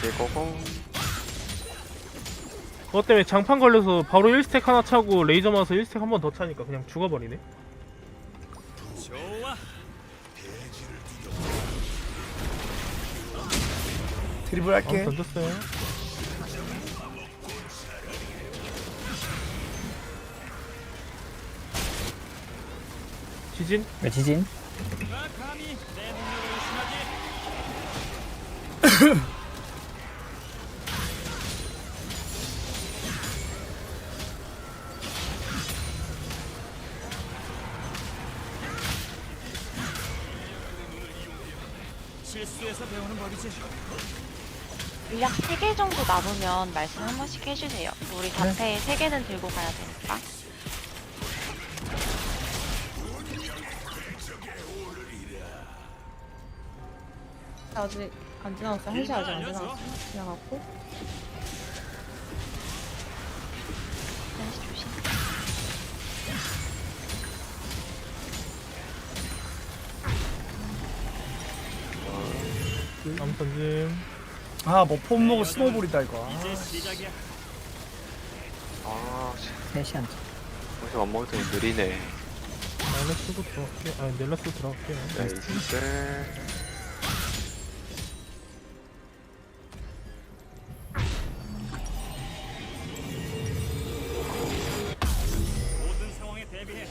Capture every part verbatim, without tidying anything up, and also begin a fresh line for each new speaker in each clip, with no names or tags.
고고.
그것 때문에 장판 걸려서 바로 일 스택 하나 차고 레이저 맞아서 일 스택 한 번 더 차니까 그냥 죽어버리네.
좋아.
드리블 할게.
아, 던졌어요. 지진?
왜 지진?
누가 감히 내 능력을 의심하지? 실수해서 배우는 법이지.
물약 세 개 정도 남으면 말씀 한 번씩 해주세요. 우리 자체 세 개는 들고 가야 되니까.
아직 안 지나갔어. 한 시 아직 안 지나갔어. 지나갔고.
한시 조심.
암 던짐.
아, 뭐 폼 먹고 스노볼이다 이거.
이제 시작이야.
아,
셋이 안 차.
벌써 안 먹을 때 느리네.
마이너스도 들어갈게요. 아, 넬라스 들어갈게요.
나이스.
모든 상황에 대비해.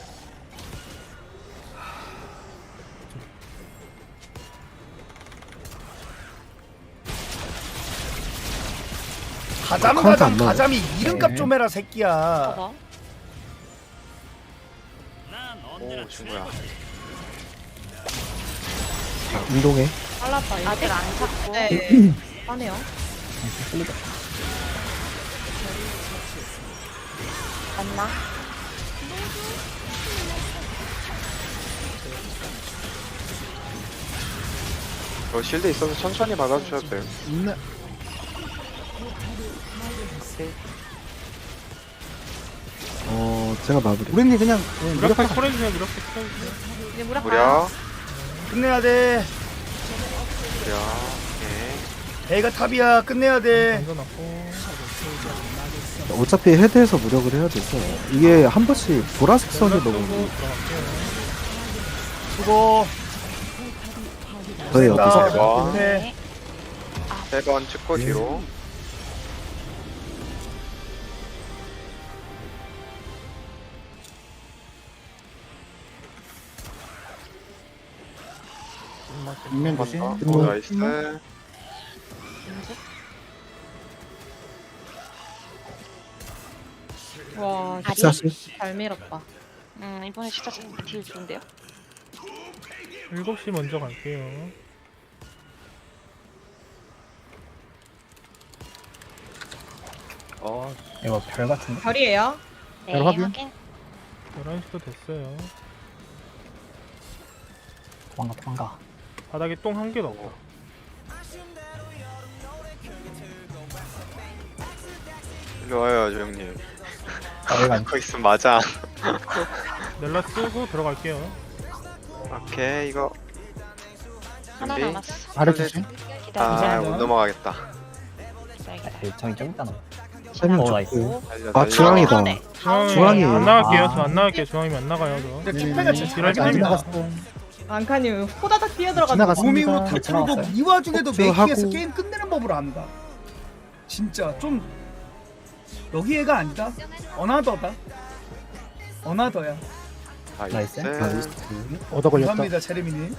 가잠
카운트
가잠
안 나와요?
가잠이 이름값
네.
좀 해라 새끼야.
봐봐.
난 언제나
오, 친구야.
운동해.
빨랐다. 이거.
아직 안 찼고.
네. 빠네요.
풀리다.
맞나?
저 실드 있어서 천천히 받아주셔도 돼요.
네. 어, 제가 마무리. 우리님 그냥
무력팩 콜해주세요. 무력팩 콜해주세요.
이제 무력 가요.
무려.
끝내야 돼.
무려. 오케이.
베이가 탑이야. 끝내야 돼.
던져놨고.
어차피 헤드에서 무력을 해야 돼서 이게 한 번씩 보라색 선이
넬라스
너무
도 들어갈게요.
수고.
저희 여기서
세 번.
끝내.
네.
세 번 찍고 뒤로.
인면
한
조심.
번 더. 오, 나이스.
와,
아리?
사실
잘 밀었다.
음, 이번에 진짜 딜 좋은데요?
일곱 시 먼저 갈게요.
어,
이거 별 같은데?
별이에요.
네,
별 확인.
확인.
열한 시도 됐어요.
도망가 도망가.
바닥에 똥 한 개도 없고.
일로 와요, 저 형님.
아, 여기가
거기 있으면 맞아.
넬라 쓰고 들어갈게요.
오케이, 이거.
하나
준비.
남았어.
아래 조심.
기다려.
아, 못 넘어가겠다.
기다려.
네, 저기 좀 있잖아.
세명
어,
좋고.
나이스.
달려,
아,
달려.
중앙이다.
네.
중앙이
중앙이.
안 나갈게요.
아.
저 안 나갈게요. 중앙이면 안 나가요. 저.
근데 킥패가 진짜
딜할
잘하긴
게
한다.
아닙니다.
안카님 호다닥 뛰어들어가지고.
지나갔습니다.
무밍으로 다
네,
틀고
지나갔어요.
이 와중에도
폭주
메이킹에서
하고.
게임 끝내는 법을 안다. 진짜 좀 여기 애가 아니다. 어나더다. 어나더야.
나이스.
나이스.
얻어 걸렸다.
감사합니다, 제레미님.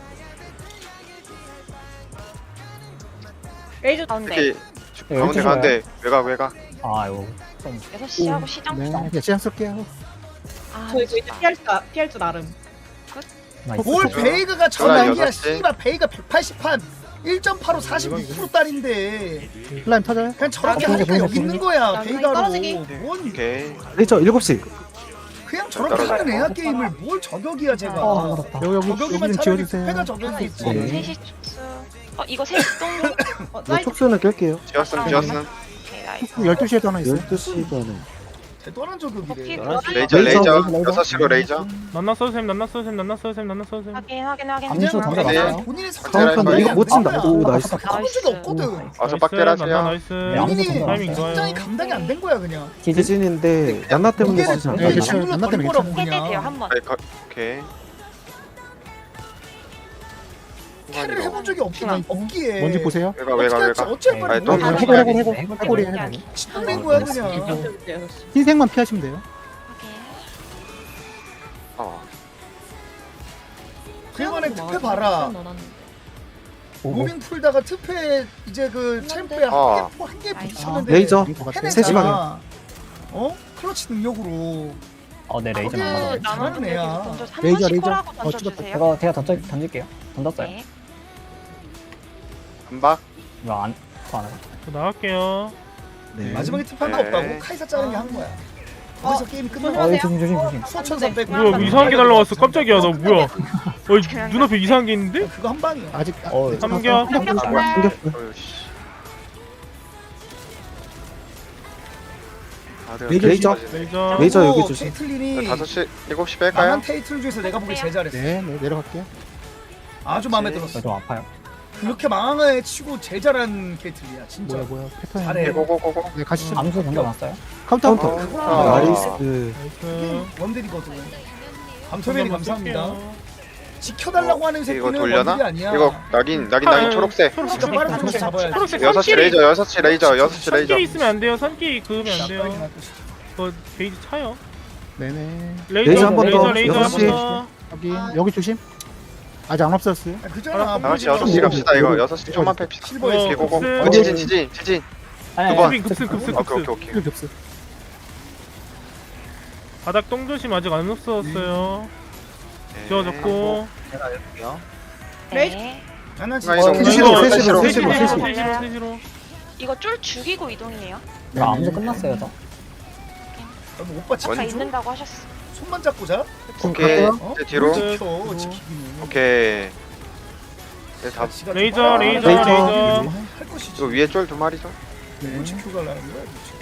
레이저
가운데.
특히
네,
가운데
열두
가운데 외곽 외곽.
아 이거 좀
여섯 시하고 시정.
네, 그냥 시간 쓸게요.
아,
저 이거 이제
좋다.
피할 줄, 아- 피할 줄 나름.
나이스.
뭘
그죠?
베이그가
저랑
전환이야.
여섯 시.
씨발 베이가 백팔십 판 일 점 팔오 사십육 퍼센트 딸인데
플라임 터져요?
그냥 저렇게
어,
하니까
보이네,
여기
보이네.
있는 거야.
나
베이가로.
떨어지기.
뭔
오케이.
레이저 일곱 시.
그냥 저렇게 하는 애야 게임을 뭘 저격이야 제가.
어, 알았다.
여기 여기
저격이면
여기 좀
차라리
지워주세요.
패가 저격이겠지.
네.
셋시 축수. 어, 이거 셋시 똥.
어,
이
나이스.
촉수는 깰게요.
지었음 지었음.
오케이, 나이스.
열두 시에도 하나 있어요. 열두 시 반에.
대단한 저격이래.
버피
레이저
레이저,
레이저
레이저.
여섯 시로 레이저.
난나 써셈 난나 써셈 난나 써셈 난나 써셈.
확인 확인 확인.
암수
확인.
던져놨어요.
본인이
카운터
상상하는
이거
못 친다.
거야.
오, 나이스.
가본 적이 없거든.
어서 빡대라
난나
하세요.
나이스.
네, 아무도
본인이
타이밍 좋아요.
굉장히 감당이 안 된 거야 그냥.
대진인데 난나 때문에
무게를
쓰지
무게를
않아요.
네,
잘못
나 때문에
거라고
해제 돼요
그냥.
한 번.
네, 거- 오케이.
캐를 해본 적이 없긴
중앙.
없기에.
뭔지 보세요.
외가 외가 외가.
어쩔 뻔
아니, 또
했네.
해골,
해골, 해골,
해골
해골이에요,
때문에.
해골.
신동된 거야 그냥.
흰색만 피하시면 돼요.
확인.
어.
그간에 특패 봐라. 무빙 풀다가 특패 이제 그 챔프에
아.
한개
나이스.
붙였는데
레이저
해내잖아.
세 시 방향.
어? 클러치 능력으로.
어, 네, 레이저
그게
맞아요.
잘하는 애야.
던져 한
레이저,
번씩
레이저.
콜하고
어, 찍었다.
던져주세요.
제가 제가 던져 던질게요. 던졌어요.
네.
한박.
이거 안, 안 해요.
저 나갈게요.
네.
마지막에 특패가
네.
없다고 카이사 짜는 게 한 거야. 거기서 게임이 끝난
어,
거야.
조심 조심 조심.
수천 삼백.
뭐야 뭐 이상한 게 날라왔어. 깜짝이야 나 뭐야. 어 눈앞에 이상한 게 있는데?
그거 한 방이야.
아직
어,
네,
삼겹.
삼겹살.
어이씨. 아, 내가
레이저.
뒤집어지네.
레이저.
레이저 여기 주심.
케이틀린이
다섯 시 일곱 시
나만
뺄까요?
테이틀 중에서 내가 보기 제일 잘했어.
네, 네, 내려갈게요.
아주 마음에
네.
들었어.
저좀 아파요.
그렇게 망한 애 치고 제일 잘한 케이틀이야 진짜.
뭐야, 뭐야. 패턴.
잘해.
고고고고.
네, 가시죠.
암수 던져놨어요.
카운터.
카운터.
어.
나이스.
나이스.
원딜이거든. 감토맨이 감사합니다.
어,
지켜달라고 하는
이거
새끼는
돌려나?
원딜이 아니야.
이거 낙인 낙인 낙인 초록색.
진짜 빠른 쪽에서 잡아야 돼.
초록색
여섯 시
선끼리-
레이저 여섯 시 레이저 여섯 시 레이저.
선끼리 있으면 안 돼요. 선끼리 그으면 안
빠르게
돼요.
날 것이지.
그거 게이지 차요.
네네.
레이저
레이저 한번
레이저
더.
레이저
여섯
한
시.
번 더.
여기, 여기 조심. 아직 안 없었어요.
아, 그잖아.
다 같이 여섯 시 갑시다 이거 여섯 시 좀만 뺍시다.
실버에
어,
고고.
급습.
어, 지진 지진 지진.
아니,
두 번.
아니,
급습 급습 급습
오케이 오케이
급습.
오케이.
이렇게 없어.
바닥 똥조심 아직 안 없었어요.
네.
지워졌고.
네.
하나
중앙
진짜.
이동.
세 시로, 세 시로, 세
세시로
시로, 세
세시로
시로.
세시로 세시로.
이거 쫄 죽이고 이동이에요.
저 암수 끝났어요, 저.
뭐 오빠
아까
지켜줘.
있는다고 하셨어.
손만 잡고 자.
오케이.
어?
이제 뒤로.
지켜 지키기는.
오케이. 네, 다
지가
레이저
좀
레이저
레이저.
레이저.
할 것이지.
이거 위에 쫄 두 마리죠.
뭘 지켜가려는 거야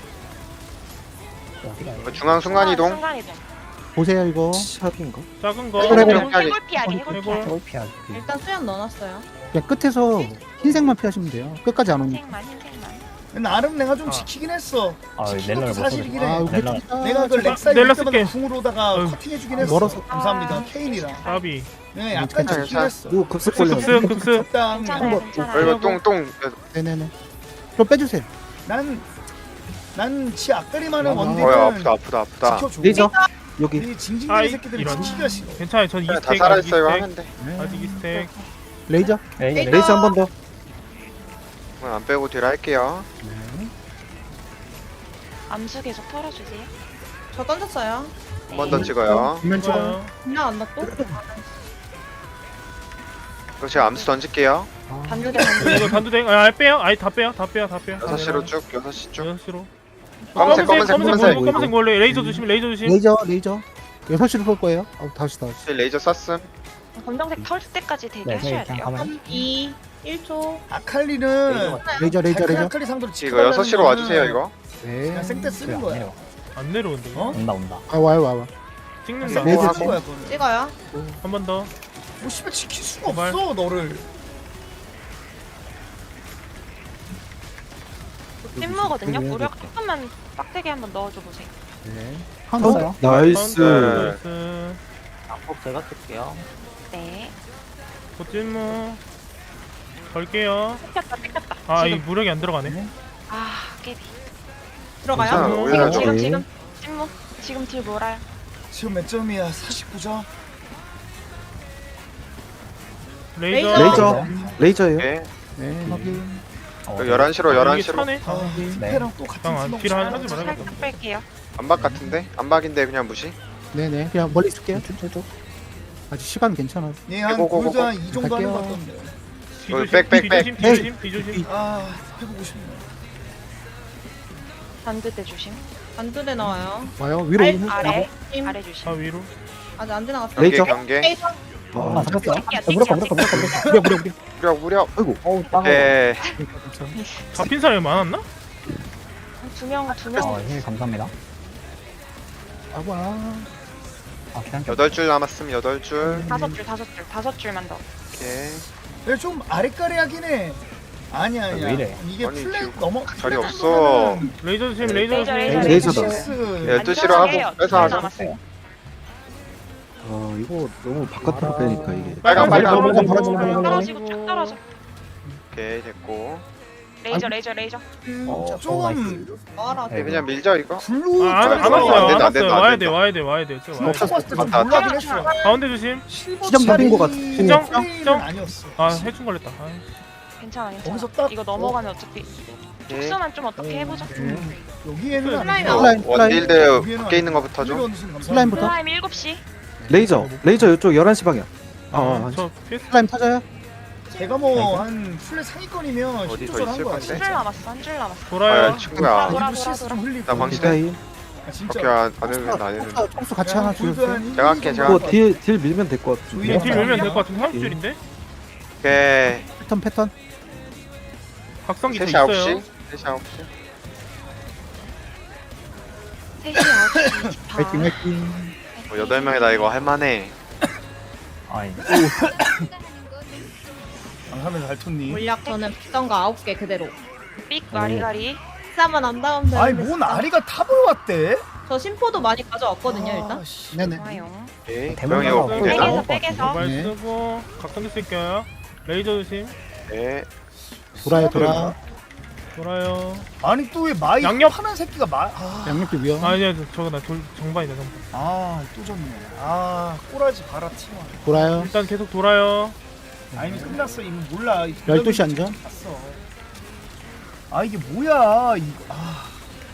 도대체.
어디가
이거 중앙 순간 이동.
순간 이동.
보세요, 이거.
샵인가?
작은 거.
해골, 해골.
해골 피하기 해골
해골.
피하기.
해골 피하기.
일단 수연 넣어놨어요.
그냥 끝에서 흰색만 피하시면 돼요. 끝까지 안 오니까.
흰색만 흰색만.
나름 내가 좀
아.
지키긴 했어.
아,
지킨
넬러를
것도
못
사실이긴
쏘네.
해.
아, 이거
넬라.
좋다.
내가 그 렉사
넬라
이럴 때마다
쓸게.
궁으로다가
어휴.
커팅해주긴 했어.
멀어서.
감사합니다. 케인이랑.
까비.
네, 약간
괜찮아,
지키긴
괜찮아.
했어.
오, 급습
급습
걸려.
급습 급습.
적당히.
괜찮아요
어,
괜찮아요.
이거 똥똥.
네네네. 좀 빼주세요.
난, 난 지 앞다리 많은
아,
원딜은
어야 아프다 아프다 아프다.
지켜줘.
레이저. 여기.
이 징징대는
아이,
새끼들은
이런.
지키기가 싫어.
괜찮아요. 전
다
이스택
살아
아직
있어요
이스택
하면 돼.
네.
아직 이스택.
레이저.
레이저,
레이저 한 번 더.
오늘 안 빼고 뒤로 할게요.
암수 계속 털어주세요.
저 던졌어요.
한 번 더 찍어요.
뒷면 찍어요.
좋아요.
그냥 안 놨고.
그럼 제가 암수 던질게요.
반두대 반두대.
이거 단두대. 아 빼요. 아예 다 빼요. 다 빼요. 다 빼요.
여섯 시로 쭉 여섯 시 쭉.
여섯 시로.
검은색 검은색
검은색
검은색.
검은색 검은색 원래 레이저 조심 레이저 조심.
레이저, 레이저. 여섯 시로 쏠 거예요. 어, 다시, 다시.
레이저 쐈음.
검정색 털 때까지
네,
대기하셔야
네, 그냥
돼요.
가면.
삼, 이, 일 초.
아칼리는
레이저, 레이저,
달큰
레이저.
아칼리 상대로
이거
지켜달라는
여섯 시로
거는
와주세요 이거.
네.
그냥 생떼 쓰는
안
거야.
내려.
안 내려온대.
어?
온다, 온다.
아, 와요, 와요.
찍는다.
생떼
레이저
쓰는 거야 그거는.
찍어요.
한 번 더.
뭐 씨발 지킬 수가
제발.
없어 너를.
찐무거든요.
네,
무력 조금만 빡대게 한번 넣어줘 보세요.
네.
카운터.
카운터.
나이스.
나이스.
앞폭 제가 쓸게요.
네.
고찜무. 걸게요.
뺏겼다 뺏겼다.
아, 이
지금.
무력이 안 들어가네.
아 깨비.
괜찮아.
들어가요.
오히려
지금
좀.
지금 지금 찐무. 지금 딜 몰아요.
지금 몇 점이야? 사십구 점.
레이저.
레이저. 레이저예요.
오케이.
네, 확인.
어,
열한 시로 열한
여기
시로.
차네.
아, 특패랑 또 같은
형, 안
팀
필요하-
먹자.
하지 말아요.
살짝 뺄게요.
안박 같은데? 안박인데 그냥 무시.
네네. 그냥 멀리 있을게요. 아직 시간 괜찮아.
얘한
고고고고.
골드 한이 정도 하는 것
갈게요.
같던데.
뒤조심.
백, 백, 백.
뒤조심. 뒤조심. 뒤조심.
아 해보고 싶네.
반두대 조심.
반두대 나와요.
와요. 위로
알-
오는
아래
힘.
아래 조심.
아 위로.
아직 안 지나갔어요.
경계
레이저.
경계.
레이저.
아, 잡혔어요.
뛸게요,
아, 무력화, 무력화,
뛸게요,
무력화, 무력화.
무려, 무려, 무려.
무력 무력.
아이고.
어우, 따가워.
예.
잡힌 사람이 많았나?
두명두
어,
명.
힘 감사합니다.
아와.
아 그냥
여덟 줄 남았음 여덟 줄.
다섯 줄 다섯 줄 다섯 줄만 더.
오케이.
얘 좀 아리까리하긴 해. 아니야 아니야.
왜 이래?
이게
아니,
플랫
지금
넘어.
자리 없어.
레이저 조심 레이저
레이저,
조심.
레이저.
레이저다.
실수.
열두 시로 하고
해요.
빼서 하자.
남았어요.
아 이거 너무 바깥으로 빼니까 이게.
빨강, 빨강.
떨어지고
떨어지고 쭉 떨어져.
오케이 됐고.
레이저 레이저 레이저.
그
어,
조금
와라.
네.
그냥 밀자 이거.
블루
아, 안, 안
안
왔어요 안
된다, 안
왔어요
된다, 안
와야
된다.
돼 와야 돼 와야 돼 지금 와야
딱
돼.
봤을 때좀
맞다.
놀라긴 했어.
가운데 조심.
실버
시정 잡힌 것 같아.
시정?
플레이는
시정?
아니었어.
아 해충 걸렸다. 아,
괜찮아 괜찮아.
거기서 딱-
이거 넘어가면 어차피
오케이.
촉수만 좀 어떻게 해보자.
여기에는
슬라임
아니고.
슬라임,
원딜드 밖에 있는 거부터 좀.
슬라임부터.
슬라임 일곱 시.
레이저 레이저 이쪽 열한 시 방향. 아,
아,
아,
저 피스
슬라임 터져요?
제가 뭐 한 플랫 상위권이면
어디 더
십조절 한
있을
거야.
건데?
한 줄 남았어 한 줄 남았어.
돌아요.
아 친구야.
돌아,
일부
돌아,
실수 좀 흘리고.
나 방식-
디자인.
아, 진짜.
오케이 안 해도 안 해도.
총수, 총수 같이 하나 주셨어요?
제가 할게, 제가
그거 딜, 딜 밀면 될 것 같은데.
딜 딜 밀면 될 것 같은데 삼십 줄인데?
오케이.
패턴 패턴.
각성기 더
셋이 아홉
있어요.
시. 셋이 아홉 시.
셋이 아홉 시
화이팅 화이팅.
뭐 여덟 명이다 이거 할만해.
아이
강하면 달토님.
물약 저는 비싼 거 아홉 개 그대로.
삑 가리가리.
비싸면 안 닿으면 되는데.
아니 뭔 아리가 탑을 왔대?
저 심포도 많이 가져왔거든요 일단.
아, 씨.
네네.
좋아요.
오케이.
대문
명이
하나
없고
없고.
되나?
백에서
네.
백에서.
모바일
네.
쓰고 각성기 쓸게요. 레이저 조심.
네.
돌아요 돌아.
돌아요.
아니 또 왜 마이
양옆.
파란 새끼가 마. 아,
양옆이 위험.
아 이제 저거 나 돌, 정반이다 정반.
아또 졌네. 아 꼬라지 봐라 팀원.
돌아요.
일단 계속 돌아요.
아 이미 끝났어 이미 몰라.
열두 시 안전.
갔어. 아 이게 뭐야 이거. 아.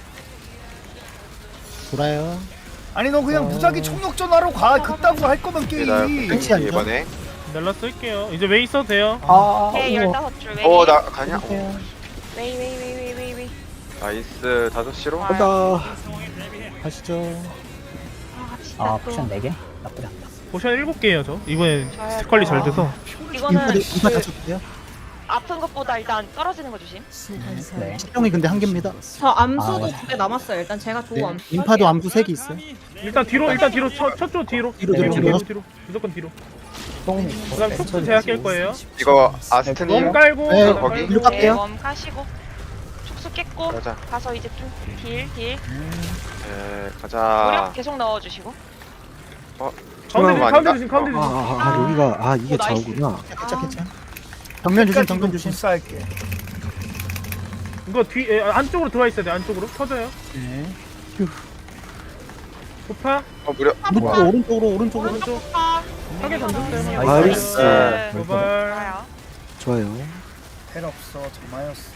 돌아요.
아니 너 그냥
어.
무작위 총력전 하러 가. 그따구 할 거면
오케이, 나
게임.
끝이 안
이번에.
넬라 쓸게요. 이제 웨이 써도 돼요.
아
네
우와.
열다섯 줄. 웨이.
어 나 가냐?
웨이 웨이 웨이 웨이 웨이 웨이.
나이스 다섯 시로.
와요.
간다. 가시죠.
아 갑시다
아
또.
포션 네 개? 나쁘지 않다.
포션 일곱 개예요 저. 이번에
저요.
스택 관리 잘 돼서.
이거는
인파 인파
그
다쳤대요.
아픈 것보다 일단 떨어지는 거 조심.
네.
시정이 근데 한 개입니다.
저 암수도
아, 네.
두 개 남았어요. 일단 제가 좋은
네.
암수.
인파도 암수 세 개 있어요.
일단 뒤로 일단 뒤로 첫 첫쪽 뒤로.
뒤로,
뒤로
뒤로,
뒤로
뒤로.
뒤로. 무조건 뒤로.
똥.
그다음 촉수 제가 깰 거예요.
이거
웜
아스트님
깔고.
네,
그다음
거기.
깔고.
뒤로 깎게요.
네, 웜 까시고. 촉수 깼고.
가자.
가서 이제 좀 딜 딜.
네
무력
가자.
계속 넣어주시고.
가운데 조심
아닌가?
가운데 조심 가운데
아,
조심.
아, 아 여기가 아 이게
오, 나이스.
좌우구나.
괜찮 괜찮. 정면 조심 정면 조심.
불사할게.
이거 뒤 에, 안쪽으로 들어와 있어야 돼. 안쪽으로 터져요.
네.
도파
어 무려.
오른쪽 오른쪽으로 오른쪽으로.
오른쪽
아,
하게 던졌어요.
나이스.
네.
도발.
좋아요.
좋아요.
텔 없어 정마였어.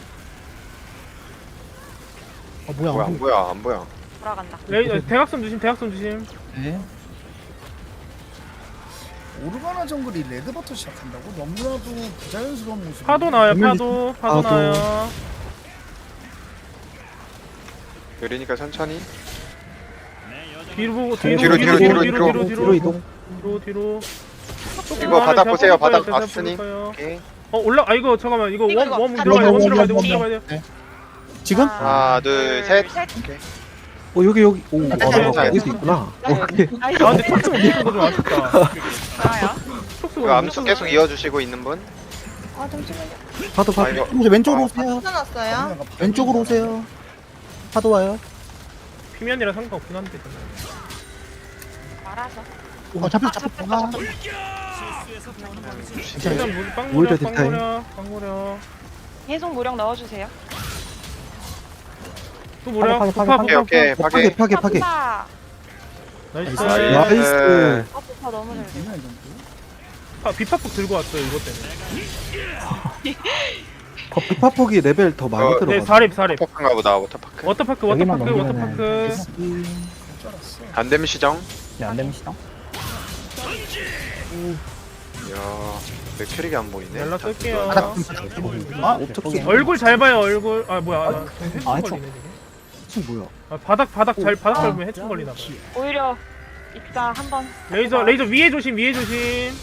아 뭐야?
뭐야 안 보여 안 보여.
돌아간다.
레이 어, 대각선 조심 대각선 조심.
네.
오르가나 정글이 레드버터 시작한다고? 너무나도 부자연스러운 모습.
파도 나와요
정면
파도 파도
파도.
나와요.
느리니까 천천히.
뒤로 보고
뒤로,
뒤로
뒤로,
뒤로
뒤로,
뒤로
뒤로
뒤로
이동.
뒤로 뒤로.
이거 바닥 보세요, 바닥
제가
봤으니.
뽑을 거예요.
오케이.
어 올라 아 이거 잠깐만 이거
이거,
웜
이거.
웜
아,
들어가야 돼웜
웜,
들어가야 돼웜
웜,
들어가야 돼.
네. 지금?
하나 둘 셋. 오케이.
어 여기 여기 오 아,
괜찮아요.
여기도 있구나. 오케이.
나이스.
아 근데 촉수 못 쓰는 거좀 아쉽다.
좋아요.
촉수
이거 암수 계속 이어주시고 있는 분.
아 잠시만요.
파도
아
파도.
이거.
이제 왼쪽으로
아,
오세요.
찾아놨어요.
왼쪽으로 오세요. 파도 와요.
피면이라 상관없긴 한데.
말아서.
어 잡혔
아,
잡혔.
잡혔다,
아,
잡혔다.
일단 물 빵
오히려
무려 빵
뒷타임.
무려 빵 무려.
계속 무력 넣어주세요.
또 무려.
파괴,
도파
파괴,
오케이 오케이
어, 파괴
파괴.
파괴 파괴.
파
나이스.
나이스.
나이스.
아, 도파 너무 잘 돼.
아, 비파폭 들고 왔어요 이것 때문에.
어, 비파폭이 레벨 더 많이
어,
네
들어가.
사립 사립.
워터파크인가 보다 워터파크.
워터파크
여기만
워터파크
넘기면은
워터파크.
안 되면 시정.
네, 안 되면 시정.
이야 내 캐릭이 안 보이네.
연락 쓸게요.
자,
아,
어떻게
얼굴 잘 봐요 얼굴. 아 뭐야? 나 해충
아, 해충.
걸리네 지금.
지금 뭐야?
아, 바닥 바닥 잘 바닥 밟으면 해충 걸리나 봐.
오히려 이따 한번
레이저 레이저 위에 조심 위에 조심.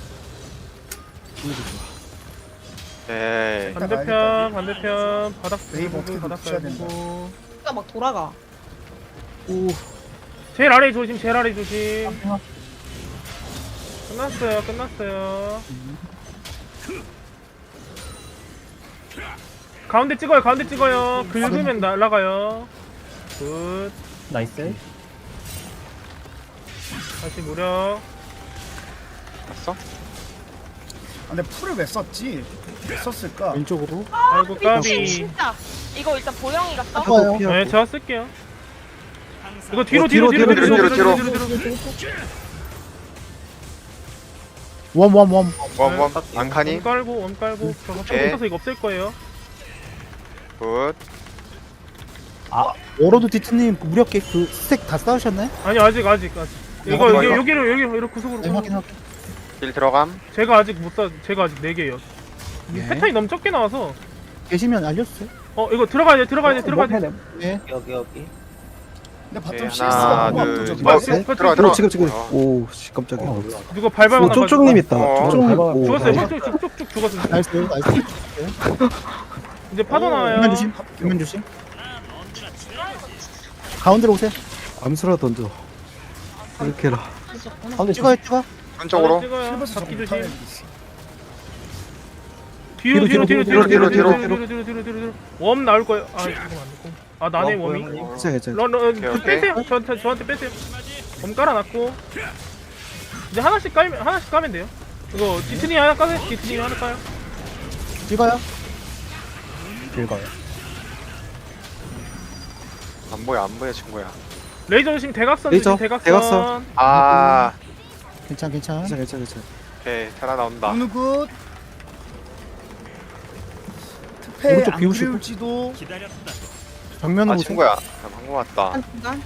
네.
반대편 반대편 바닥
웨이브
밟고
어떻게
바닥
붙여야 된다.
밟고.
진짜 막 돌아가.
오
제일 아래 조심, 제일 아래 조심. 끝났어요, 끝났어요. 가운데 찍어요, 가운데 찍어요. 긁으면 날아가요. 굿.
나이스.
다시 무력.
봤어?
근데 풀을 왜 썼지? 왜 썼을까?
왼쪽으로.
아이고,
미친
까비.
진짜. 이거 일단 보영이가 써.
좋아요.
네, 제가 쓸게요.
항상
이거 뒤로,
어,
뒤로,
뒤로,
뒤로, 뒤로,
뒤로,
뒤로,
뒤로,
뒤로, 뒤로.
원, 원, 원.
웜웜 안카니
원 깔고, 원 깔고. 저거 좀
오케이.
있어서 이거 없앨 거예요.
굿.
워로드 디트님 무력계 그 스택 다 쌓으셨나요?
아니, 아직, 아직, 아직. 이거,
이거,
여기,
이거?
여기로, 여기, 이렇게 구석으로.
네, 확인, 확인.
딜 들어감.
제가 아직 못 사, 제가 아직 네 개요.
네.
패턴이 너무 적게 나와서.
계시면 알려주세요.
어, 이거 들어가야 돼, 들어가야 돼, 들어가야 돼.
네.
근데 바텀
네,
씨에스가
하나,
너무
둘,
압도적이야.
어,
셋.
들어가 들어가.
들어 지금 지금.
어.
오, 씨 깜짝이야.
어,
오,
몰라.
누가 밟아가
쪽쪽님 있다.
어.
쪽쪽님.
밟아.
오,
죽었어요.
밟아.
쭉쭉 쭉쭉 죽었어.
나이스, 나이스.
이제 파도 나와요.
뒷면 조심, 뒷면 조심. 가운데로 오세요.
암수라 던져. 이렇게 해라.
가운데
찍어요, 찍어.
한쪽으로.
찍어요.
실버스
잡기
좀
조심.
못하는 게 있어.
뒤로 뒤로 뒤로 뒤로 뒤로 뒤로
뒤로,
뒤로 뒤로 뒤로 뒤로 뒤로. 웜 나올 거예요. 아 지금 안 됐고. 아 나네 웜이.
괜찮아, 괜찮아.
런런
오케이, 오케이.
빼세요. 저한테 저한테 빼세요. 웜 깔아놨고. 이제 하나씩 깔면 하나씩 까면 돼요. 이거 디트니 하나 까세요. 디트니 하나 까요.
찍어요.
긁어요.
안 보여 안 보여 친구야.
레이저 조심 대각선
레이저,
조심 대각선.
대각선.
아.
괜찮, 괜찮.
괜찮아, 괜찮아, 괜찮아.
오케이 테라 나온다.
어느 굿. 특패
오른쪽
안
비우시고.
그릴지도
기다렸다.
정면으로
아
오세요.
친구야. 나 방금 왔다.
한 순간.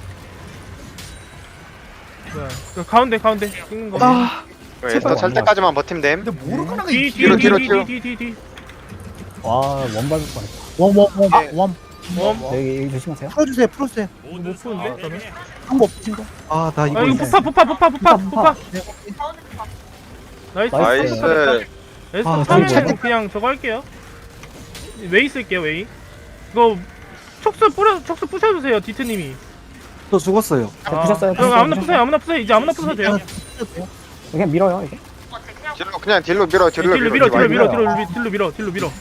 네. 그 가운데 가운데 찍는 거.
아,
에스터 찰 때까지만 버티면 됨.
근데 모르가나가
뒤
이
뒤로, 뒤로, 뒤로.
뒤뒤뒤뒤뒤
와, 원 밟을 뻔했다.
원, 원, 원,
네.
원.
웜.
여기, 여기 조심하세요.
풀어주세요, 풀어주세요.
못 푸는데 저는.
한거 없으신 거.
아, 나 이거
아 이거
있어.
부파 부파 부파 부파 부파.
네,
나이스.
나이스.
에스터
아,
타면
진짜.
그냥 저거 할게요. 웨이 쓸게요 웨이. 이거 촉수 뿌려 촉수 부셔주세요 디트님이.
저 죽었어요.
아, 부셨어요,
그럼
부셨어요,
아무나
부셨어요.
부세요 아무나 부세요 이제 아무나 부셔도 돼요.
그냥 밀어요, 이게.
딜로 그냥 딜로 밀어 딜로
딜로 밀어 딜로 밀어 딜로 밀어 딜로 밀어 딜로 밀어.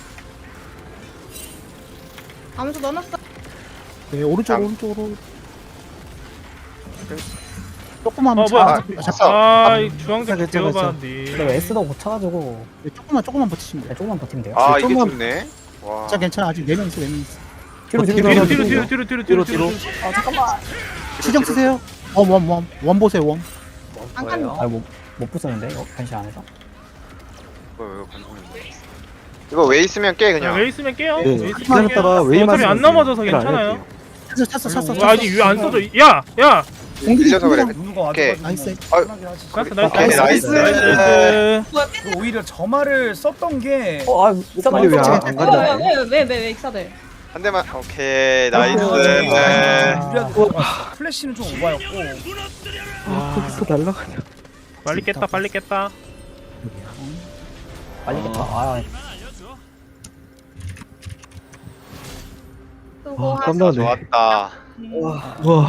암수 넣어놨어.
네, 오른쪽,
장-
오른쪽으로. 조금만
어,
차.
뭐야.
아,
됐어.
아, 이 주황색
괜찮아,
되어
괜찮아.
봤는데.
근데 S도 못 차가지고,
네, 조금만, 조금만 버티시면 돼요.
그냥 조금만 버티면 돼요.
아 이게
좀만-
좋네. 와.
자, 괜찮아. 아직 네 명 있어, 네 명 있어.
뒤로, 뒤로,
뒤로
뒤로,
뒤로
뒤로.
뒤로 뒤로 뒤로 뒤로 뒤로.
아, 잠깐만.
시정 쓰세요. 원, 원, 원. 원 보세요, 원.
한 칸.
아, 못, 못 부수는데, 이거? 변신 안 해서?
이거 이거 관통이. 이거 웨이 쓰면 깨
그냥
그냥.
웨이 쓰면 깨요.
네,
웨이 쓰면
기다렸다가
깨요.
웨이만
어차피 안
쓰면
넘어져서
돼요.
괜찮아요.
찼어, 찼어, 찼어,
어,
찼어.
아니 왜 안 써져? 야, 야.
밀려서 그래.
누가 와도
오케이.
나이스.
편하긴 하지.
나이스 나이스
오케이, 나이스.
나이스.
그 오히려 저 말을 썼던 게
어, 아, 이상한
빨리 왜
거.
안-
네.
안 가냐?
왜왜왜왜 익사들.
한 대만. 오케이 나이스.
어,
네.
유리하게 들어갔어. 플래시는 좀 오바였고.
아, 거기서 날라가냐.
빨리 깼다 빨리 깼다.
빨리 겠다. 아,
수고
아, 깜짝이야.
좋았다.
와.